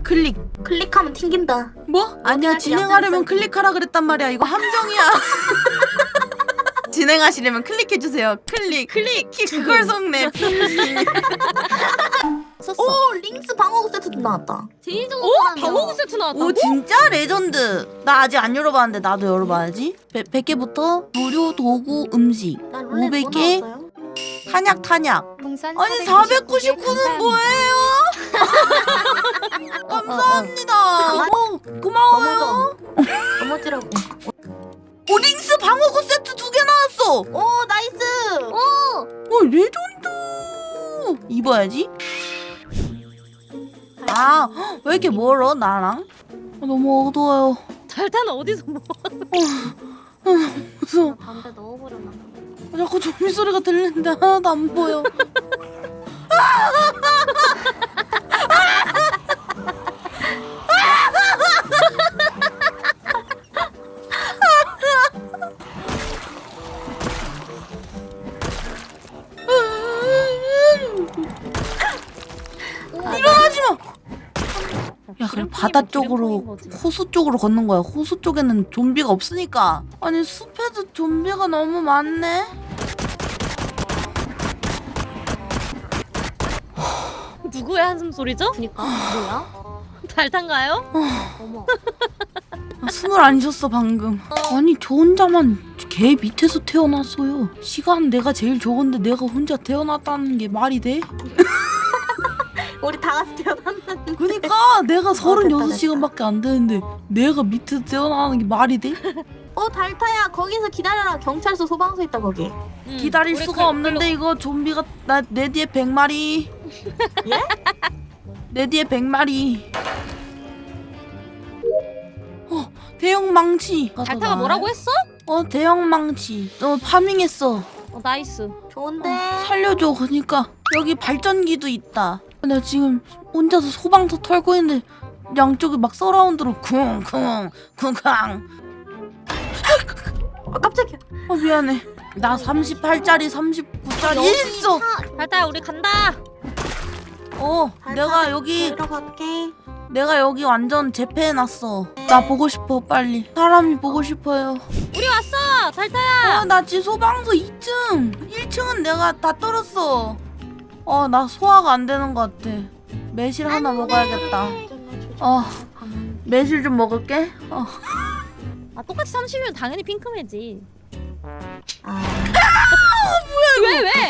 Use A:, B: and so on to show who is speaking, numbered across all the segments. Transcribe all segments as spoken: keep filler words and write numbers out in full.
A: 클릭.
B: 클릭하면 튕긴다.
A: 뭐? 아니야, 진행하려면 클릭하라 그랬단 말이야. 이거 함정이야. 진행하시려면 클릭해주세요. 클릭. 클릭. 그걸 속네.
C: 썼어.
B: 오 링스 방어구 세트도 나왔다.
C: 제일 좋은
D: 오
C: 사람이야.
D: 방어구 세트 나왔다고?
A: 오 진짜 레전드. 나 아직 안 열어봤는데 나도 열어봐야지. 백 개부터 무료 도구 음식
B: 난 룰렛
A: 오백
B: 뭐
A: 개.
B: 나왔어요?
A: 탄약 탄약.
E: 풍선
A: 아니 사백구십구는 뭐예요? 감사합니다. 어, 고마워요.
B: 넘어지라고.
A: 오 링스 방어구 세트 두 개 나왔어.
B: 오 나이스.
A: 어 레전드. 입어야지. 아 왜 이렇게 멀어 나랑? 아, 너무 어두워요.
D: 달타는 어디서 뭐?
A: 무서워.
C: 담배 넣어버렸나?
A: 아, 자꾸 좀비 소리가 들리는데 하나도 안 보여. 일어나지 마. 야 그래 바다 쪽으로 호수 쪽으로 걷는 거야. 호수 쪽에는 좀비가 없으니까. 아니 숲에도 좀비가 너무 많네.
D: 누구의 한숨 소리죠?
C: 그니까 뭐야?
D: 달탄가요?
C: 어머.
A: 아, 숨을 안 쉬었어 방금. 아니 저 혼자만 개 밑에서 태어났어요. 시간 내가 제일 적은데 내가 혼자 태어났다는 게 말이 돼?
B: 우리 다 같이 태어났는데.
A: 그니까 내가 서른여섯
B: 됐다.
A: 시간밖에 안 되는데 내가 밑에서 태어나는 게 말이 돼?
B: 어 달타야 거기서 기다려라. 경찰서 소방서 있다 거기.
D: 음,
A: 기다릴
D: 우리
A: 수가
D: 그-
A: 없는데 이거 좀비가 나 내 뒤에 백 마리.
B: 예?
A: 내 뒤에 백 마리. 어 대형 망치.
D: 달타가 뭐라고 했어?
A: 어 대형 망치. 어 파밍했어.
D: 어, 나이스.
B: 좋은데.
A: 살려줘. 그러니까 여기 발전기도 있다. 나 지금 혼자서 소방서 털고 있는데 양쪽에 막 서라운드로 쿵쿵 쿵쾅.
B: 아 깜짝이야.
A: 어 미안해. 나 삼십팔 짜리 삼십구 짜리 있어.
D: 달타야 우리 간다.
A: 어
B: 달타,
A: 내가 여기
B: 들어갈게.
A: 내가 여기 완전 재패해놨어. 나 보고 싶어 빨리. 사람이 보고 싶어요.
D: 우리 왔어 달타야.
A: 어 나 지금 소방서 이 층 일 층은 내가 다 떨었어. 어 나 소화가 안 되는 것 같아. 매실 하나 먹어야겠다. 어 매실 좀 먹을게. 어.
D: 아 똑같이 삼십이면 당연히 핑크매지.
B: 아
D: 왜 왜?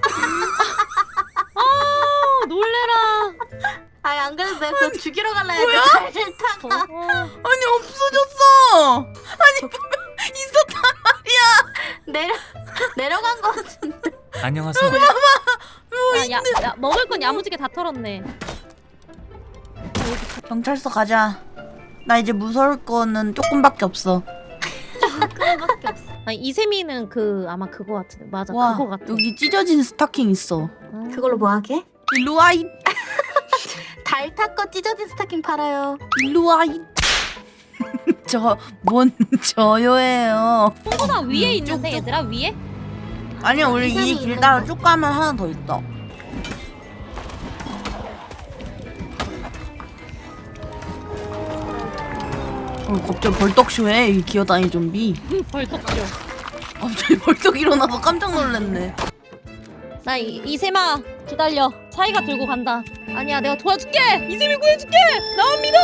D: 아 놀래라.
B: 아니 안 그래도 내가 그거 죽이러 갈라 했는데 달타가
D: 어,
A: 아니 없어졌어. 아니 있었단 말이야.
B: 내려 내려간 거 같은데.
F: 안녕하세요.
D: 야, 야, 야 먹을 건 야무지게 다 털었네.
A: 경찰서 가자. 나 이제 무서울 거는 조금밖에 없어.
C: 그거밖에 없어.
D: 아니 이세미는 그 아마 그거 같은데 맞아
A: 와
D: 그거 같아.
A: 여기 찢어진 스타킹 있어.
D: 아,
B: 그걸로 뭐 하게?
A: 일로 와이.
B: 달타 거 찢어진 스타킹 팔아요.
A: 일로 와이. 저 뭔 저요예요.
D: 홍보다 위에 있는데 얘들아 위에?
A: 아니야 우리
B: 이상이
A: 이 길
B: 있는
A: 따라
B: 거.
A: 쭉 가면 하나 더 있어. 어, 갑자기 벌떡쇼해 이 기어다니 좀비.
D: 벌떡 뛰어.
A: 갑자기 벌떡 일어나서 깜짝 놀랐네.
D: 나 이, 이세마 기다려. 사이가 들고 간다. 아니야 내가 도와줄게. 이세미 구해줄게. 나만 믿어.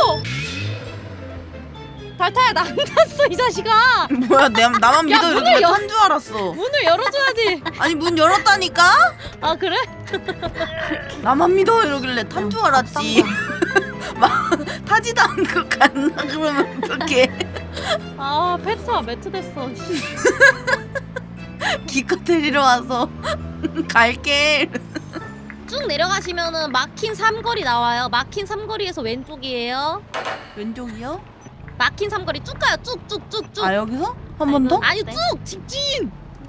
D: 달타야 나 안 탔어 이 자식아.
A: 뭐야 내, 나만
D: 야,
A: 믿어
D: 문을
A: 이러길래
D: 열-
A: 탄 줄 알았어.
D: 문을 열어줘야지.
A: 아니 문 열었다니까?
D: 아 그래?
A: 나만 믿어 이러길래 탄 줄 알았지. 막 타지도 않고 갔나 그러면 어떡해.
D: 아 페트가 매트 됐어.
A: 기껏 데리러 와서 갈게.
D: 쭉 내려가시면은 막힌 삼거리 나와요. 막힌 삼거리에서 왼쪽이에요.
A: 왼쪽이요?
D: 막힌 삼거리 쭉 가요. 쭉 쭉 쭉 쭉.
A: 아 여기서? 한 번 더?
D: 아니 쭉 직진.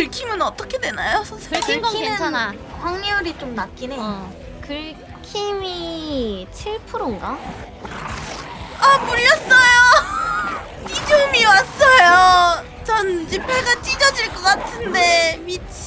A: 긁히면 어떻게 되나요, 선생님?
D: 긁힌 건
B: 긁히는
D: 괜찮아.
B: 확률이 좀 낮긴 해.
D: 어.
C: 긁히는 힘이 칠 퍼센트인가?
A: 아 물렸어요. 이좀이 왔어요. 전 이제 배가 찢어질 것 같은데 미친.